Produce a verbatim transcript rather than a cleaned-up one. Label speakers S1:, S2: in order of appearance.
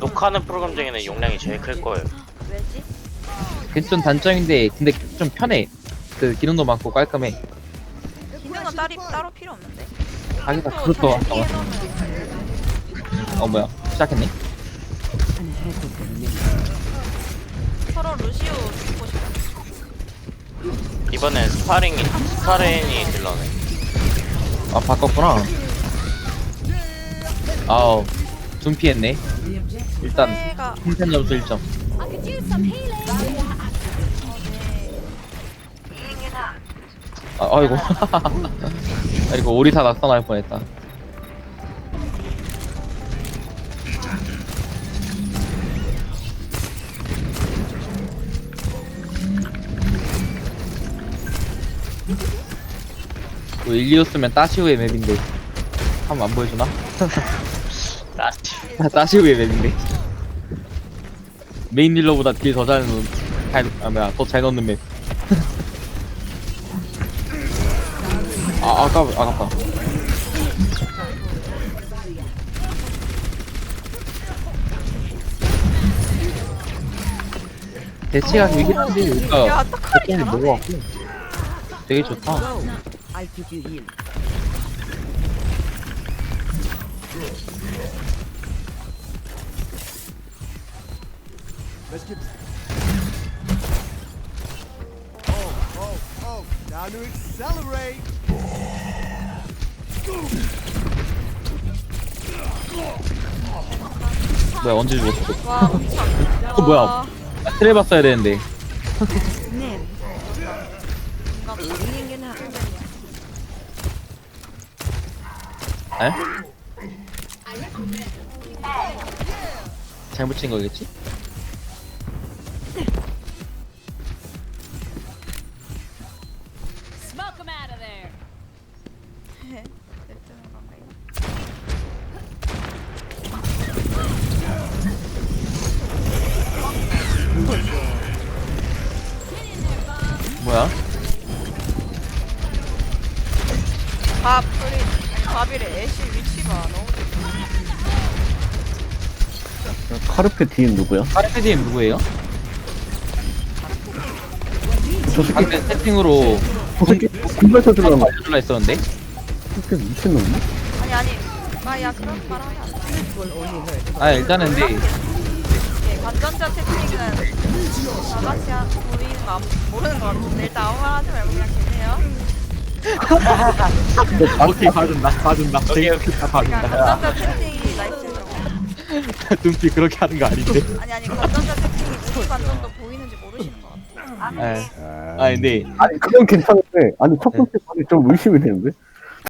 S1: 녹화하는 프로그램 중에는 용량이 제일 클 거예요.
S2: 왜지?
S3: 그게 좀 단점인데 근데 좀 편해. 그 기능도 많고 깔끔해.
S2: 기능은 따리, 따로 필요 없는데.
S3: 자기가
S2: 또
S3: 그것도
S2: 잘
S3: 아까
S2: 피해놓으면
S3: 어 뭐야 시작했네?
S2: 서로 루시오 죽고 싶어.
S1: 이번엔 스파링이 스파렌이 딜러네.
S3: 아 바꿨구나. 아우 둔피했네. 일단
S2: 내가
S3: 생산 점수 일 점.
S2: 어, 네.
S3: 아, 아이고 아이고 오리사 낙선할 뻔했다. 그 일리오스면 따시오의 맵인데 한번 안 보여주나?
S1: 나티.
S3: 아, 따시오의 맵인데 메인 딜러보다 딜 더 잘 넣는 잘, 아 뭐야 더 잘 넣는 맵. 아 아까 아깝다. 대치가 길긴 한데
S2: 야,
S3: 여기가
S2: 떡하니
S3: 거점이
S2: 잘하네.
S3: 먹어갖고 되게 좋다.
S4: I'll give you heal.
S5: Let's get. Oh, oh, oh! Now to accelerate.
S3: 뭐야 언제 죽었어?
S2: 와, 우창.
S3: 어, 뭐야.
S2: 와,
S3: 트레 봤어야 되는데.
S4: Name. Healing in her.
S3: 에? 잘못 친 거겠지?
S6: Smoke him out of there.
S2: 냅두는 건가요?
S3: 뭐야?
S2: 밥, 프리, 밥이래. 애쉬 위치가 너무
S7: 카르페 디엠 누구야?
S3: 카르페디엠 누구예요?
S7: 저 새끼,
S3: 방금 세팅으로
S7: 저 새끼 군발사 들어간 거
S3: 알려줄라 했었는데?
S7: 새끼 미친놈이야?
S2: 아니, 아니. 아, 야, 그런 말하면 안 돼.
S3: 아 일단은 근데
S2: 예, 관전자 채팅은 다 같이 한, 보이는 거 안- 모르는 거 같은데 일단 아무 말 하지 말고 그냥 계세요.
S3: 오케이 봐준다 봐준다
S1: 오케이, 오케이.
S3: 다
S2: 그러니까
S3: 봐준다.
S2: 관전자 채팅이 나이스죠.
S3: 눈빛 그렇게 하는 거 아닌데?
S2: 아니 아니 관전자 채팅이 누구 관전도 보이는지 모르시는 것 같아.
S3: 아, 아 근데
S7: 아니 그건 괜찮은데 아니 첫 번째 말이 좀 의심이 되는데?